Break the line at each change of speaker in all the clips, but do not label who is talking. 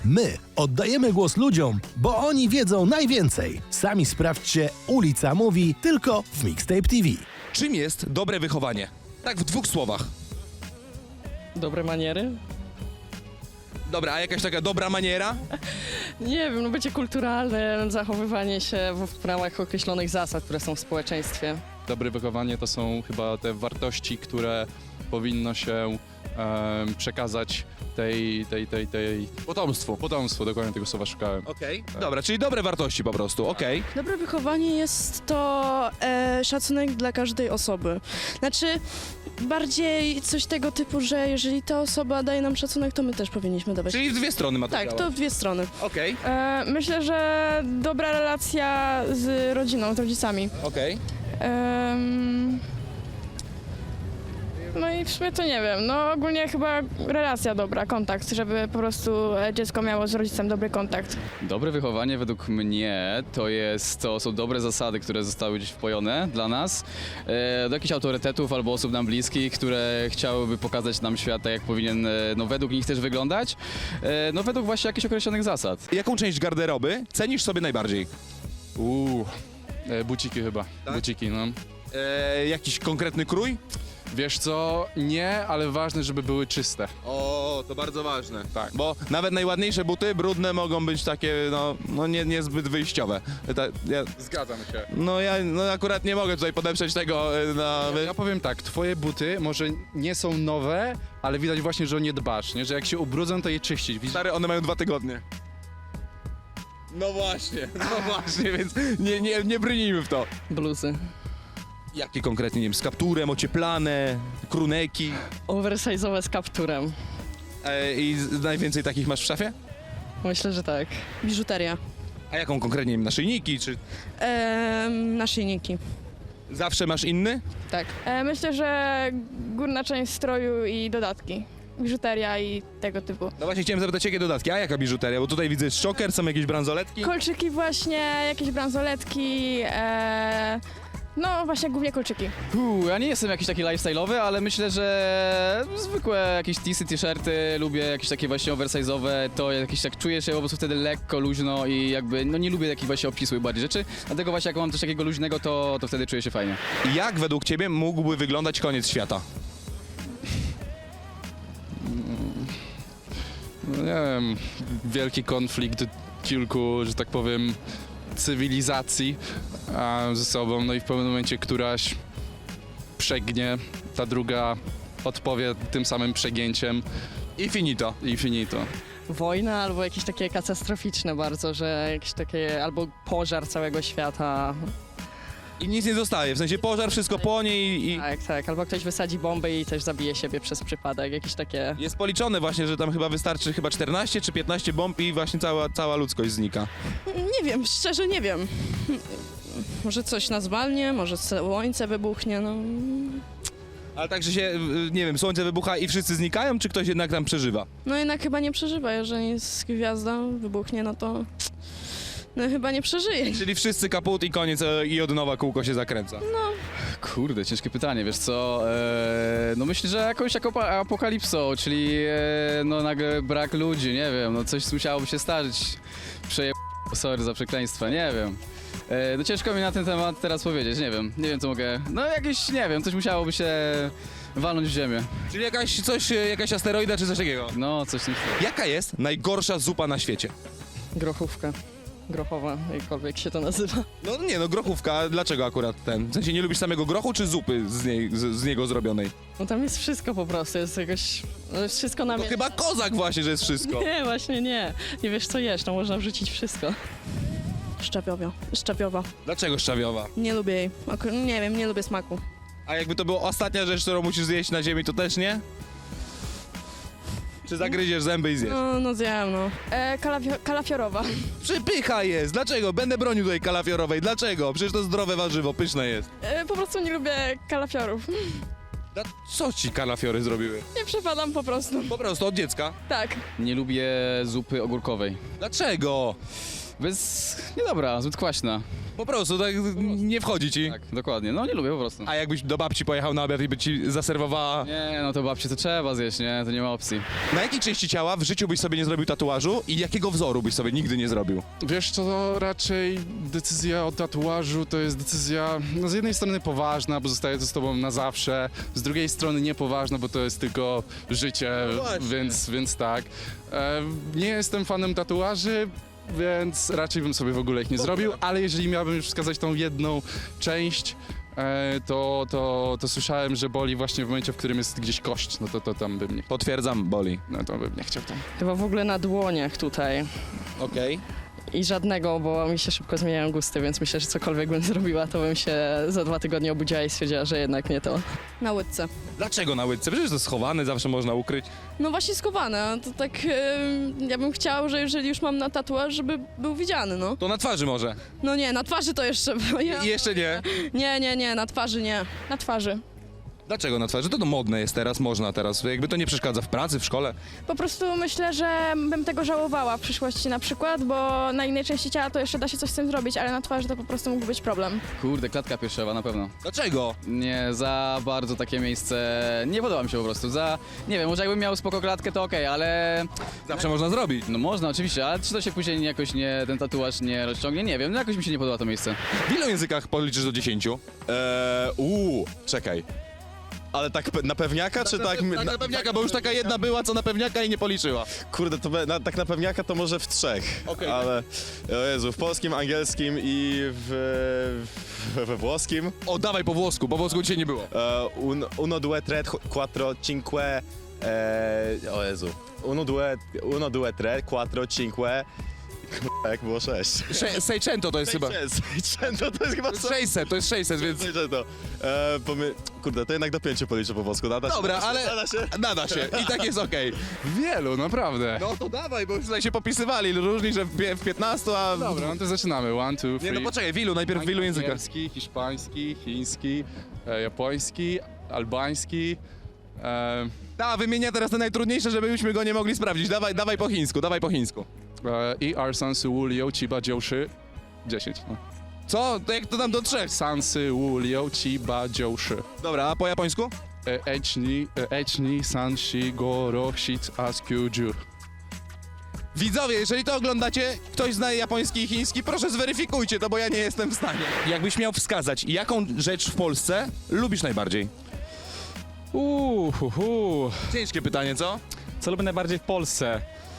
My oddajemy głos ludziom, bo oni wiedzą najwięcej. Sami sprawdźcie, Ulica Mówi tylko w Mixtape TV.
Czym jest dobre wychowanie? Tak w 2 słowach.
Dobre maniery?
Dobra, a jakaś taka dobra maniera?
Nie wiem, no bycie kulturalne, zachowywanie się w ramach określonych zasad, które są w społeczeństwie.
Dobre wychowanie to są chyba te wartości, które powinno się przekazać tej potomstwu, dokładnie tego słowa szukałem.
Okej. Dobra, czyli dobre wartości po prostu, okej.
Dobre wychowanie jest to szacunek dla każdej osoby. Znaczy, bardziej coś tego typu, że jeżeli ta osoba daje nam szacunek, to my też powinniśmy dawać.
Czyli w 2 strony ma to
Tak,
działa.
to w dwie strony.
Okej,
Myślę, że dobra relacja z rodziną, z rodzicami.
okej.
No i w sumie to nie wiem, no ogólnie chyba relacja dobra, kontakt, żeby po prostu dziecko miało z rodzicem dobry kontakt.
Dobre wychowanie według mnie to są dobre zasady, które zostały gdzieś wpojone dla nas, do jakichś autorytetów albo osób nam bliskich, które chciałyby pokazać nam świat tak, jak powinien, no według nich też wyglądać, no według właśnie jakichś określonych zasad.
Jaką część garderoby cenisz sobie najbardziej?
Buciki chyba, buciki, no.
Jakiś konkretny krój?
Wiesz co, nie, ale ważne, żeby były czyste.
O, to bardzo ważne.
Tak.
Bo nawet najładniejsze buty, brudne, mogą być takie, no niezbyt wyjściowe.
Zgadzam się.
Ja akurat nie mogę tutaj podeprzeć tego
Ja powiem tak, twoje buty może nie są nowe, ale widać właśnie, że o nie dbasz, nie? Że jak się ubrudzą, to je czyścić. Widzisz?
Stary, one mają 2 tygodnie. No właśnie, więc nie brnijmy w to.
Bluzy.
Jakie konkretnie, nie wiem, z kapturem, ocieplane, kruneki.
Oversize'owe z kapturem.
I najwięcej takich masz w szafie?
Myślę, że tak.
Biżuteria.
A jaką konkretnie, nie wiem, naszyjniki, czy
Naszyjniki.
zawsze masz inny?
Tak.
Myślę, że górna część stroju i dodatki, biżuteria i tego typu.
No właśnie chciałem zapytać, jakie dodatki, a jaka biżuteria? Bo tutaj widzę szoker, są jakieś bransoletki.
Kolczyki właśnie, jakieś bransoletki, no właśnie głównie kolczyki.
Ja nie jestem jakiś taki lifestyle'owy, ale myślę, że zwykłe jakieś teesy, t-shirty, lubię jakieś takie właśnie oversize'owe, to jakieś tak czuję się po prostu wtedy lekko, luźno i jakby, no nie lubię takich właśnie obcisłych bardziej rzeczy, dlatego właśnie jak mam coś takiego luźnego, to wtedy czuję się fajnie.
Jak według ciebie mógłby wyglądać koniec świata?
No nie wiem, wielki konflikt kilku, że tak powiem, cywilizacji ze sobą, no i w pewnym momencie któraś przegnie, ta druga odpowie tym samym przegięciem
I finito.
i finito.
Wojna albo jakieś takie katastroficzne bardzo, że jakieś takie, albo pożar całego świata.
I nic nie zostaje, w sensie pożar, wszystko płonie i
Tak, albo ktoś wysadzi bombę i też zabije siebie przez przypadek, jakieś takie...
jest policzone właśnie, że tam chyba wystarczy 14 czy 15 bomb i właśnie cała ludzkość znika.
Nie wiem, szczerze nie wiem. Może coś nas walnie, może słońce wybuchnie, no.
Ale tak, że się, nie wiem, słońce wybucha i wszyscy znikają, czy ktoś jednak tam przeżywa?
No jednak chyba nie przeżywa, jeżeli jest gwiazda, wybuchnie, no to... No chyba nie przeżyje.
Czyli wszyscy kaput i koniec i od nowa kółko się zakręca.
Kurde, ciężkie pytanie, wiesz co, no myślę, że jakąś taką apokalipsą, czyli no nagle brak ludzi, nie wiem, no coś musiałoby się zdarzyć, sorry za przekleństwa, nie wiem. No ciężko mi na ten temat teraz powiedzieć, nie wiem co mogę, no jakieś, nie wiem, coś musiałoby się walnąć w ziemię,
Czyli jakaś asteroida czy coś takiego.
no coś w tym stylu.
Jaka jest najgorsza zupa na świecie?
Grochówka. Grochowa, jakkolwiek się to nazywa.
No grochówka, dlaczego akurat ten? W sensie nie lubisz samego grochu czy zupy z niego zrobionej?
No tam jest wszystko po prostu, jest jakoś... No jest wszystko na
To chyba kozak właśnie, że jest wszystko.
Nie, właśnie nie. Nie wiesz co jesz, no można wrzucić wszystko.
Szczapiowa.
Dlaczego szczawiowa?
Nie lubię jej. Nie wiem, nie lubię smaku.
A jakby to była ostatnia rzecz, którą musisz zjeść na ziemi, to też nie? Czy zagryziesz zęby i zjesz?
No zjem, no.
Kalafiorowa.
Przypycha jest! Dlaczego? Będę bronił tutaj kalafiorowej. Dlaczego? Przecież to zdrowe warzywo, pyszne jest.
Po prostu nie lubię kalafiorów.
Co ci kalafiory zrobiły?
Nie przepadam po prostu.
Po prostu od dziecka.
Tak.
Nie lubię zupy ogórkowej.
Dlaczego?
niedobra, zbyt kwaśna.
Po prostu, tak nie wchodzi ci.
Tak, dokładnie. No nie lubię po prostu.
A jakbyś do babci pojechał na obiad i by ci zaserwowała...
Nie, no to babci to trzeba zjeść, nie? To nie ma opcji.
Na jakiej części ciała w życiu byś sobie nie zrobił tatuażu i jakiego wzoru byś sobie nigdy nie zrobił?
Wiesz co, to raczej decyzja o tatuażu to jest decyzja no z jednej strony poważna, bo zostaje to z tobą na zawsze, z drugiej strony niepoważna, bo to jest tylko życie, więc tak. Nie jestem fanem tatuaży, więc raczej bym sobie w ogóle ich nie zrobił, ale jeżeli miałbym już wskazać tą jedną część, to słyszałem, że boli właśnie w momencie, w którym jest gdzieś kość, no to tam bym nie,
Potwierdzam, boli.
no to bym nie chciał tam.
Chyba w ogóle na dłoniach tutaj.
Okej.
I żadnego, bo mi się szybko zmieniają gusty, więc myślę, że cokolwiek bym zrobiła, to bym się za 2 tygodnie obudziła i stwierdziła, że jednak nie to.
Na łydce.
Dlaczego na łydce? Przecież to schowane, zawsze można ukryć.
No właśnie skowane, to tak ja bym chciała, że jeżeli już mam na tatuaż, żeby był widziany, no.
To na twarzy może.
No nie, na twarzy to jeszcze...
I jeszcze nie.
Nie, na twarzy nie.
Na twarzy.
Dlaczego na twarzy? To modne jest teraz, można teraz. Jakby to nie przeszkadza w pracy, w szkole.
Po prostu myślę, że bym tego żałowała w przyszłości na przykład, bo na innej części ciała to jeszcze da się coś z tym zrobić, ale na twarzy to po prostu mógł być problem.
Kurde, klatka piersiowa na pewno.
Dlaczego?
Nie, za bardzo takie miejsce nie podoba mi się po prostu. Nie wiem, może jakbym miał spoko klatkę to okej, ale
Zawsze można zrobić.
no można oczywiście, ale czy to się później jakoś ten tatuaż nie rozciągnie? Nie wiem, no jakoś mi się nie podoba to miejsce.
W ilu językach policzysz do 10?
Czekaj. Ale tak na pewniaka, czy tak...
Tak na pewniaka, bo już taka jedna była, co na pewniaka i nie policzyła.
Kurde, to tak na pewniaka to może w 3.
Okej.
Ale, o Jezu, w polskim, angielskim i we włoskim.
O, dawaj po włosku dzisiaj nie było.
Uno, due, tre, quattro, cinque... o Jezu. Uno, due, tre, quattro, cinque... Kurwa, jak było 6.
Seicento to jest chyba.
Seicento to jest chyba...
To jest 600, więc...
Seicento. Kurde, to jednak do 5 policzę po włosku. Nada się?
Dobra, ale
Nada się?
nada się i tak jest okej.
Wielu, naprawdę.
No to dawaj, bo już tutaj się popisywali różni, że w 15, a...
Dobra, no to zaczynamy. 1, 2, 3.
Nie, no poczekaj, w ilu? Najpierw w ilu językach?
Angielski, hiszpański, chiński, japoński, albański.
Wymienia teraz te najtrudniejsze, żebyśmy go nie mogli sprawdzić. Dawaj po chińsku, dawaj po chińsku.
I Arsansu Wulio Chiba Dziołszy. 10. No.
Co? To jak to tam do 3?
Sansy Wulio Chiba Dziołszy.
Dobra, a po japońsku?
Echni Sanshi Goro Shit Askyu.
Widzowie, jeżeli to oglądacie, ktoś zna japoński i chiński, proszę zweryfikujcie to, bo ja nie jestem w stanie. Jakbyś miał wskazać, jaką rzecz w Polsce lubisz najbardziej? Ciężkie pytanie, co?
Co lubię najbardziej w Polsce?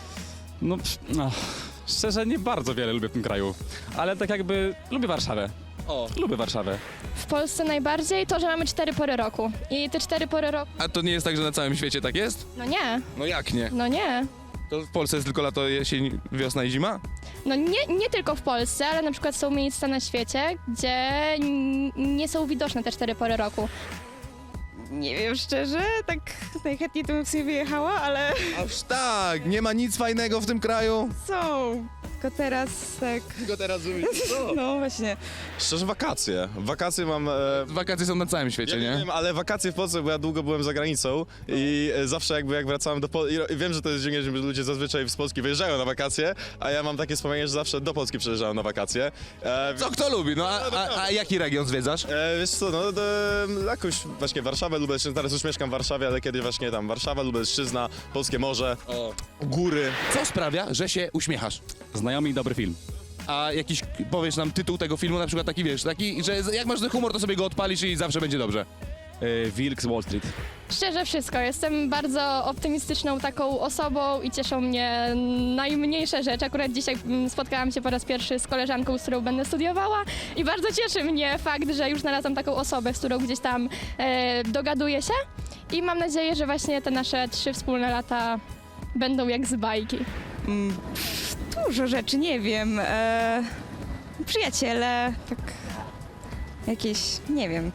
Szczerze nie bardzo wiele lubię w tym kraju, ale tak jakby lubię Warszawę. Lubię Warszawę.
W Polsce najbardziej to, że mamy 4 pory roku. I te 4 pory roku...
A to nie jest tak, że na całym świecie tak jest?
No nie,
No jak nie?
no nie.
To w Polsce jest tylko lato, jesień, wiosna i zima?
No nie tylko w Polsce, ale na przykład są miejsca na świecie, gdzie nie są widoczne te 4 pory roku.
Nie wiem, szczerze, tak najchętniej to bym sobie wyjechała, ale
Aż tak, nie ma nic fajnego w tym kraju.
są. Tylko teraz tak,
Tylko teraz
no właśnie.
Szczerze, wakacje. Wakacje mam...
Wakacje są na całym świecie,
Ja nie wiem, ale wakacje w Polsce, bo ja długo byłem za granicą i zawsze jakby jak wracałem do Polski, i wiem, że to jest dziwnie, że ludzie zazwyczaj z Polski wyjeżdżają na wakacje, a ja mam takie wspomnienie, że zawsze do Polski przyjeżdżałem na wakacje.
Co kto lubi? No a jaki region zwiedzasz?
Wiesz co, no jakoś właśnie Warszawę, Lubelszczyznę, teraz już mieszkam w Warszawie, ale kiedyś właśnie tam Warszawa, Lubelszczyzna, Polskie Morze, góry.
Co sprawia, że się uśmiechasz?
Znajomy i dobry film.
A jakiś, powiesz nam tytuł tego filmu, na przykład taki, wiesz, taki, że jak masz ten humor, to sobie go odpalisz i zawsze będzie dobrze.
Wilk z Wall Street.
Szczerze wszystko, jestem bardzo optymistyczną taką osobą i cieszą mnie najmniejsze rzeczy. Akurat dzisiaj spotkałam się po raz pierwszy z koleżanką, z którą będę studiowała i bardzo cieszy mnie fakt, że już znalazłam taką osobę, z którą gdzieś tam dogaduję się i mam nadzieję, że właśnie te nasze 3 wspólne lata będą jak z bajki.
Dużo rzeczy, nie wiem. Przyjaciele, tak jakieś, nie wiem.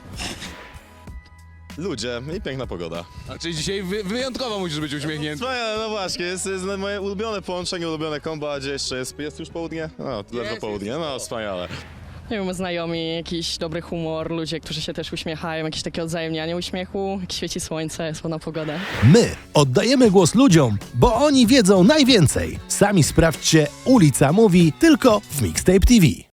Ludzie i piękna pogoda.
A czyli dzisiaj wyjątkowo musisz być uśmiechnięty.
Wspaniale, no właśnie, jest moje ulubione połączenie, ulubione kombo, a gdzie jeszcze jest już południe? No, ledwo południe, no wspaniale.
Nie wiem, znajomi, jakiś dobry humor, ludzie, którzy się też uśmiechają, jakieś takie odzajemnianie uśmiechu, jak świeci słońce, jest ładna pogoda.
My oddajemy głos ludziom, bo oni wiedzą najwięcej. Sami sprawdźcie, Ulica Mówi tylko w Mixtape TV.